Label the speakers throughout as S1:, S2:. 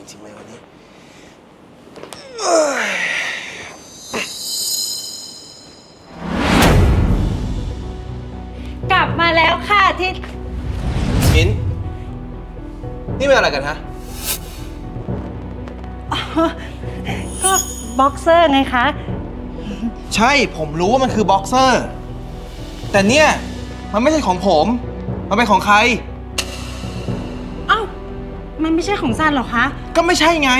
S1: ริงๆเลยวันนี้
S2: กลับมาแล้วค่ะที่
S1: มิ้นนี่เป็นอะไรกันฮะ
S2: ก็บ็อกเซอร์ไงคะ
S1: ใช่ผมรู้ว่ามันคือบ็อกเซอร์แต่เนี่ยมันไม่ใช่ของผมมันเป็นของใคร
S2: เอ้ามันไม่ใช่ของซันหรอคะ
S1: ก็ไม่ใช่ไง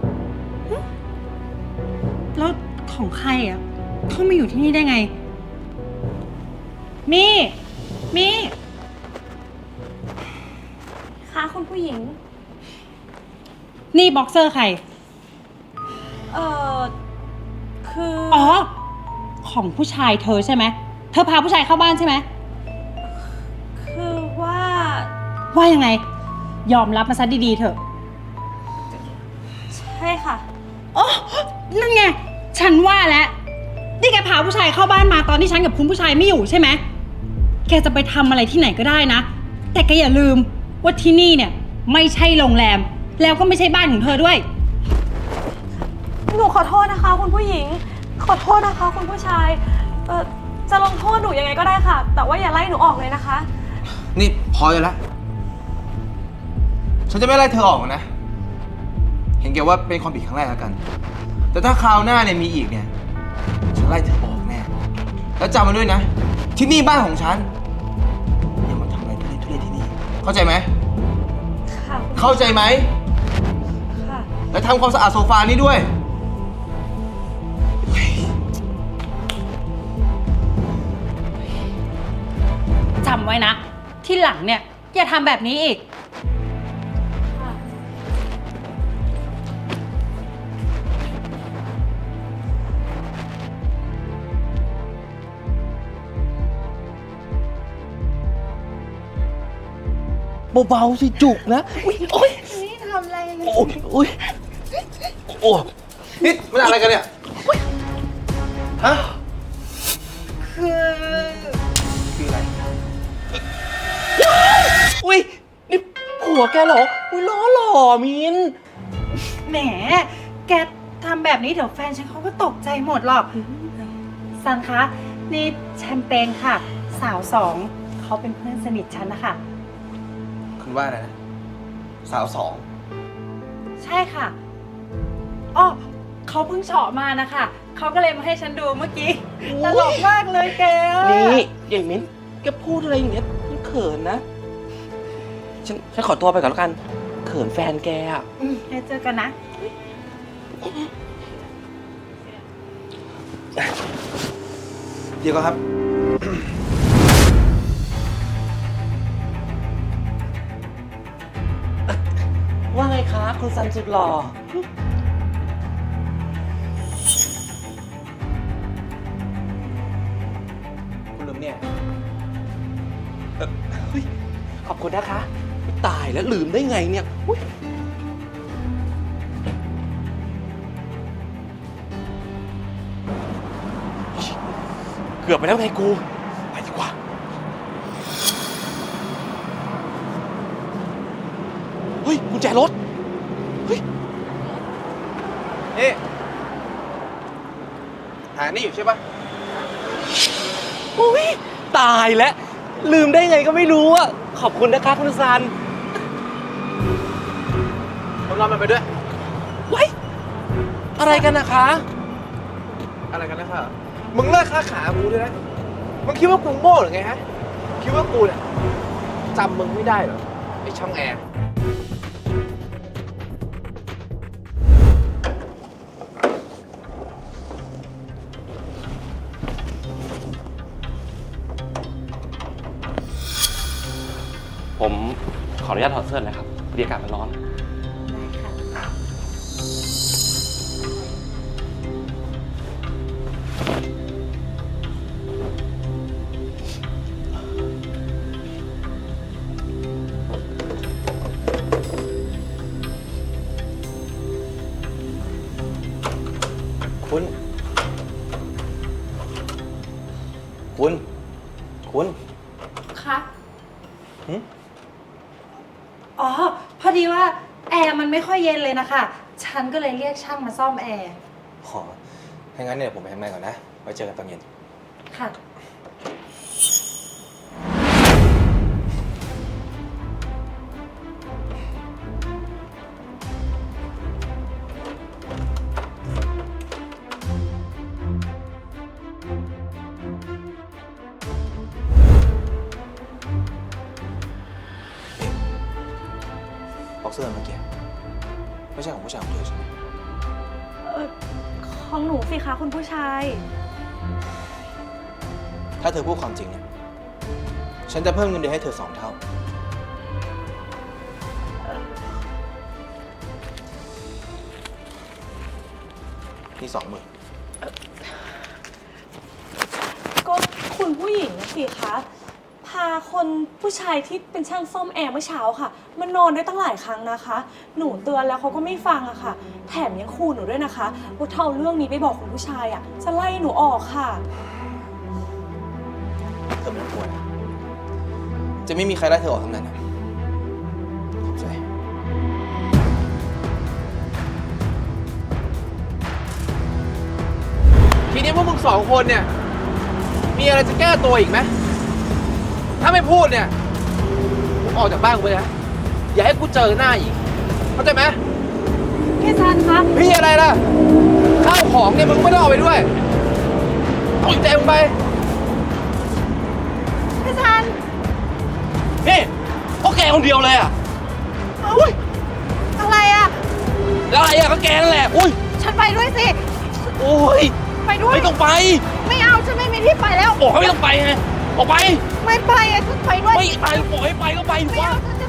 S2: แล้วของใครอ่ะเขามาอยู่ที่นี่ได้ไงมี
S3: คะคุณผู้หญิง
S2: นี่บ็อกเซอร์ใคร
S3: เอ่อ คือ
S2: อ๋อ ของผู้ชายเธอใช่ไหม เธอพาผู้ชายเข้าบ้านใช่ไหม
S3: คือว่า
S2: ว่ายังไง ยอมรับมาซะดีๆเถอะ
S3: ใช่ค่ะ
S2: อ๋อ นั่นไง ฉันว่าแล้ว นี่แกพาผู้ชายเข้าบ้านมาตอนที่ฉันกับคุณผู้ชายไม่อยู่ใช่ไหม แกจะไปทำอะไรที่ไหนก็ได้นะ แต่แกอย่าลืมว่าที่นี่เนี่ยไม่ใช่โรงแรม แล้วก็ไม่ใช่บ้านของเธอด้วย
S3: หนูขอโทษนะคะ คุณผู้หญิง ขอโทษนะคะ คุณผู้ชาย จะลงโทษหนูยังไงก็ได้ค่ะ แต่ว่าอย่าไล่หนูออกเลยนะคะ
S1: นี่พอเลยละฉันจะไม่ไล่เธอออกนะ เห็นแกว่าเป็นความผิดครั้งแรกแล้วกัน แต่ถ้าคราวหน้าเนี่ยมีอีกเนี่ย ฉันไล่เธอออกแน่ แล้วจำมาด้วยนะ ที่นี่บ้านของฉัน อย่ามาทำอะไรทุเรศที่นี่ เข้าใจไหม
S3: ค่ะคุณ
S1: เข้าใจไหม
S3: ค่ะ
S1: แล้วทำความสะอาดโซฟานี่ด้วย
S2: จำไว้นะ ที่หลังเนี่ยอย่าทำแบบนี้อีก
S3: ค่ะ
S4: เบาๆสิจุกนะอุ้ยโอ๊ย
S2: นี่ทำอะไร
S4: โอ้ยโอ้ยโอ้ย
S1: นี่มันอะไรกันเนี่ย ฮะ
S2: คือ
S1: คืออะไร
S4: อุ้ยนี่ผัวแกเหรออุ้ยล้อหล่อมิน
S2: แหม แกทำแบบนี้เดี๋ยวแฟนฉันเขาก็ตกใจหมดหรอก ซันคะ นี่แชมเปญค่ะ สาวสองเขาเป็นเพื่อนสนิทฉันนะคะ
S1: คุณว่าอะไรนะ สาวสอง
S2: ใช่ค่ะอ๋อเขาเพิ่งเฉาะมานะคะ เขาก็เลยมาให้ฉันดูเมื่อกี้ ตลกมากเลยแก
S4: นี่ใหญ่มินแกพูดอะไรอย่างเงี้ยมันเขินนะฉันขอตัวไปก่อนแล้วกัน เขินแฟนแกอ่ะ
S2: เดี๋ยวเจอกันนะ
S1: เดี๋ยวก่อนครับ
S4: ว่าไงคะคุณซันสุดหล่อ
S1: คุณลืมเนี่ย
S4: เฮ้ยขอบคุณนะคะตายแล้วลืมได้ไงเนี่ยอุ๊ยเกือบไปแล้วไงกู ไปดีกว่า เฮ้ยกุญแจรถ เฮ้ย
S1: นี่หานี่อยู่ใช่ปะ
S4: อุ้ยตายแล้วลืมได้ไงก็ไม่รู้อ่ะ ขอบคุณนะคะคุณซัน
S1: ผมรอมันไปด้วย
S4: ไว้ยอะไรกันนะคะ
S1: อะไรกันนะครับมึงเลิกค้าขากูด้วยนะ มึงคิดว่ากูโง่หรือไงฮะ คิดว่ากูเนี่ยจำมึงไม่ได้เหรอ ไอ้ช่องแอร์
S4: ผมขออนุญาตถอดเสื้อนะครับพอดีอากาศมันร้อน
S1: คุณ คุณ คุณ
S2: คะ
S1: หึ
S2: อ๋อ พอดีว่าแอร์มันไม่ค่อยเย็นเลยนะคะ ฉันก็เลยเรียกช่างมาซ่อมแอร์
S1: ขอถ้างั้นเนี่ยผมไปทำงานก่อนนะ ไว้เจอกันตอนเย็น
S2: ค่ะ
S1: บ็อกเซอร์เมื่อกี้ไม่ใช่ของผู้ชายของเธอใช่ไหม
S3: ของหนูสิคะคุณผู้ชาย
S1: ถ้าเธอพูดความจริงเนี่ย ฉันจะเพิ่มเงินเดือนให้เธอ2 เท่า นี่20,000
S3: ก็คุณผู้หญิงสิคะ พาคนผู้ชายที่เป็นช่างซ่อมแอร์เมื่อเช้าค่ะมานอนได้ตั้งหลายครั้งนะคะ หนูเตือนแล้วเขาก็ไม่ฟังอะค่ะ แถมยังขู่หนูด้วยนะคะว่าถ้าเอาเรื่องนี้ไปบอกคุณผู้ชายอะจะไล่หนูออกค่ะ
S1: เธอไม่ต้องกลัวนะ จะไม่มีใครไล่เธอออกทั้งนั้นนะขอบใจ ทีนี้พวกมึง2 คนเนี่ย มีอะไรจะแก้ตัวอีกไหม ถ้าไม่พูดเนี่ยมึงออกจากบ้านกูไปนะ อย่าให้กูเจอหน้าอีก เข้าใจไหม
S3: พี่ซันคะ
S1: พี่อะไรล่ะ ข้าวของเนี่ยมึงไม่ต้องเอาไปด้วยเอาใจมึงไป
S3: พี่ซัน
S4: นี่พวกแกคนเดียวเลยอ่ะ
S3: อุ้ยอะไรอะ
S4: แล้วอะไรอ่ะก็แกนั่นแหละ อุ้ย
S3: ฉันไปด้วยสิ
S4: โอ้ย
S3: ไปด้วย
S4: ไม่ต้องไป
S3: ไม่เอาฉันไม่มีที่ไปแล้ว
S4: บอกให้ไม่ต้องไปไง ออกไป
S3: ไม่ไปอะฉันไปด้วย
S4: ไม่ไปบอกให้ไปก็ไป
S3: ไม่
S4: วะ
S3: เอาฉัน